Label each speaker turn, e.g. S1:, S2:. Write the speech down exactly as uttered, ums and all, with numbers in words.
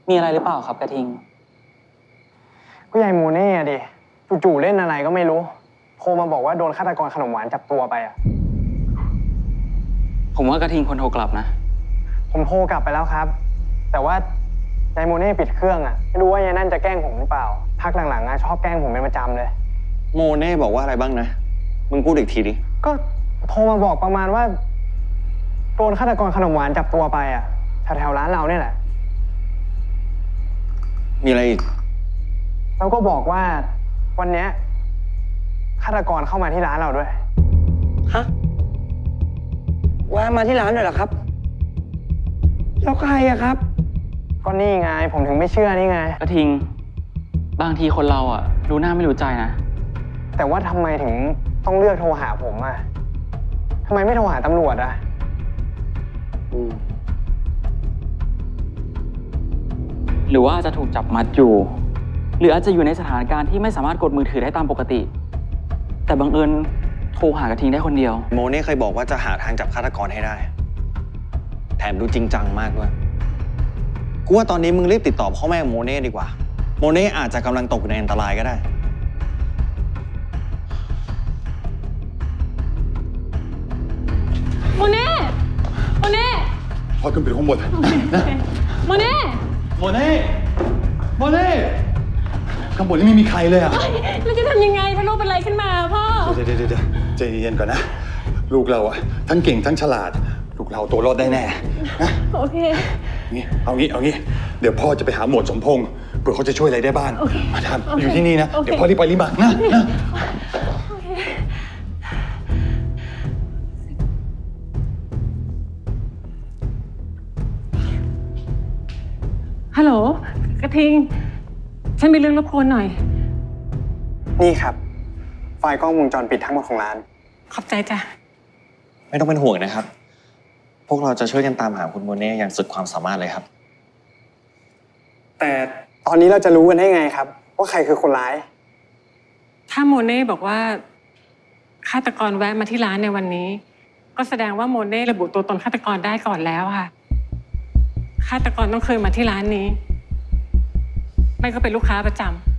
S1: มีอะไรหรือเปล่าครับกระทิง
S2: ก็ยายโมเน่ดิจู่ๆเล่นอะไรก็ไม่รู้โทรมาบอกว่าโดนฆาตกรขนมหวานจับตัวไปอ่ะ
S1: ผมว่ากระทิงคนโทรกลับนะ
S2: ผมโทรกลับไปแล้วครับแต่ว่ายายโมเน่ปิดเครื่องอ่ะไม่รู้ว่ายายนั่นจะแกล้งผมหรือเปล่าพักหลังๆอ่ะชอบแกล้งผมเป็นประจำเลย
S3: โมเน่บอกว่าอะไรบ้างนะมึงพูดอีกทีดิ
S2: ก็โทรมาบอกประมาณว่าโดนฆาตกรขนมหวานจับตัวไปอ่ะแถวๆร้านเราเนี่ยแหละ
S3: มีอะไรอีก
S2: แล้วก็บอกว่าวันเนี้ยฆาตกรเข้ามาที่ร้านเราด้วย
S4: ฮะว่ามาที่ร้านเลยเหรอครับแล้วใครอะครับ
S2: ก็นี่ไงผมถึงไม่เชื่อนี่ไง
S1: กระทิงบางทีคนเราอ่ะรู้หน้าไม่รู้ใจนะ
S2: แต่ว่าทำไมถึงต้องเลือกโทรหาผมอ่ะทำไมไม่โทรหาตำรวจอ่ะ
S1: หรือว่าจะถูกจับมัดอยู่หรืออาจจะอยู่ในสถานการณ์ที่ไม่สามารถกดมือถือได้ตามปกติแต่บังเอิญโทรหากระทิงได้คนเดียว
S3: โมเน่เคยบอกว่าจะหาทางจับฆาตกรให้ได้แถมดูจริงจังมากด้วยกูว่าตอนนี้มึงรีบติดต่อพ่อแม่โมเน่ดีกว่าโมเน่อาจจะกำลังตกอยู่ในอันตรายก็ได้
S5: โมเน่โมเน่
S6: พ่อขึ้นไปข้างบนนะ
S5: โมเน่
S6: โมเน่โมเน่ข้างบนนี่ไม่มีใครเลยอ่ะ
S5: เราจะทำยังไงถ้าลูกเป็นอะไรขึ้นมาพ่อ
S6: เดี๋ยวเดี๋ยวเดี๋ยวใจเย็นก่อนนะลูกเราอ่ะทั้งเก่งทั้งฉลาดลูกเราตัวรอดได้แน่นะ
S5: โอเค
S6: งี้เอางี้เอางี้เดี๋ยวพ่อจะไปหาหมวดสมพงษ์เผื่อเขาจะช่วยอะไรได้บ้างมาทำอยู่ที่นี่นะเดี๋ยวพ่อรีบไปรีบมานะนะ
S5: ฮัลโหลกระทิงฉันมีเรื่องรบกวนหน่อย
S2: นี่ครับไฟล์กล้องวงจรปิดทั้งหมดของร้าน
S5: ขอบใจจ้ะ
S3: ไม่ต้องเป็นห่วงนะครับพวกเราจะช่วยกันตามหาคุณโมเน่อย่างสุดความสามารถเลยครับ
S2: แต่ตอนนี้เราจะรู้กันได้ไงครับว่าใครคือคนร้าย
S5: ถ้าโมเน่บอกว่าฆาตกรแวะมาที่ร้านในวันนี้ก็แสดงว่าโมเน่ระบุตัวตนฆาตกรได้ก่อนแล้วค่ะฆาตกรต้องเคยมาที่ร้านนี้ไม่ก็เป็นลูกค้าประจำ